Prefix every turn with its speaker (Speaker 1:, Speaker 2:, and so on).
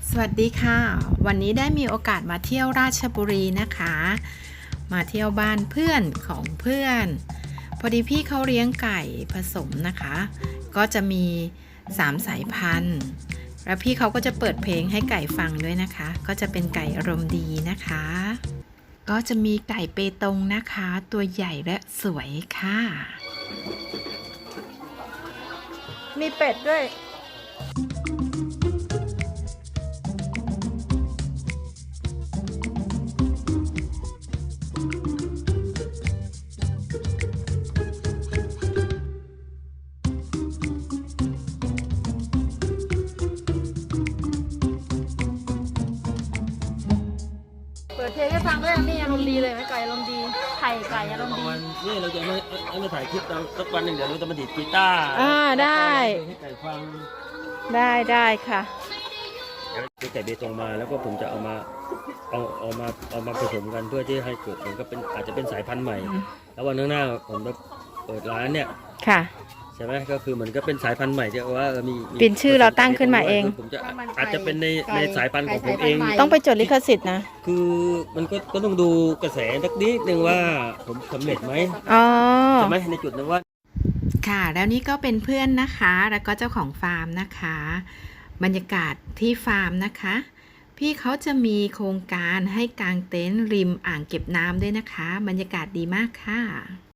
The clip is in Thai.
Speaker 1: สวัสดีค่ะวันนี้ได้มีโอกาสมาเที่ยวราชบุรีนะคะมาเที่ยวบ้านเพื่อนของเพื่อนพอดีพี่เขาเลี้ยงไก่ผสมนะคะก็จะมี3สายพันธุ์แล้วพี่เขาก็จะเปิดเพลงให้ไก่ฟังด้วยนะคะก็จะเป็นไก่อารมณ์ดีนะคะก็จะมีไก่เปตงนะคะตัวใหญ่และสวยค่ะมีเป็ดด้วย
Speaker 2: เปิดเพลงให้ฟังด้วยนี่อารมณ์ดีเลยไหมไก่อารมณ์ดีไข่ไก่อารมณ์ดี
Speaker 3: นี่เราจะไม่ถ่ายคลิปเราสักวันหนึ่งเดี๋ยวเราจะมาดีดกีตาร์
Speaker 1: ได้
Speaker 3: ให้ไก่ฟัง
Speaker 1: ได้ค่ะ
Speaker 3: ไก่เบตงมาแล้วก็ผมจะเอามาผสมกันเพื่อที่ให้เกิดมันก็เป็นอาจจะเป็นสายพันธุ์ใหม่แล้ววันข้างหน้าผมจะเปิดร้านเนี่ย
Speaker 1: ค่ะ
Speaker 3: ใช่ไหมก็คือเหมือนก็เป็นสายพันธุ์ใหม่ที่ว่ามี
Speaker 1: เป็นชื่อเราตั้งขึ้นมาเอง
Speaker 3: ผมจะอาจจะเป็นในสายพันธุ์ของผมเอง
Speaker 1: ต้องไปจดลิขสิทธิ์นะ
Speaker 3: คือมันก็ต้องดูกระแสสักนิดนึงว่าผมสำเร็จไหมใช่ไหมในจุดนึงว่า
Speaker 1: ค่ะแล้วนี่ก็เป็นเพื่อนนะคะแล้วก็เจ้าของฟาร์มนะคะบรรยากาศที่ฟาร์มนะคะพี่เขาจะมีโครงการให้กางเต็นท์ริมอ่างเก็บน้ำด้วยนะคะบรรยากาศดีมากค่ะ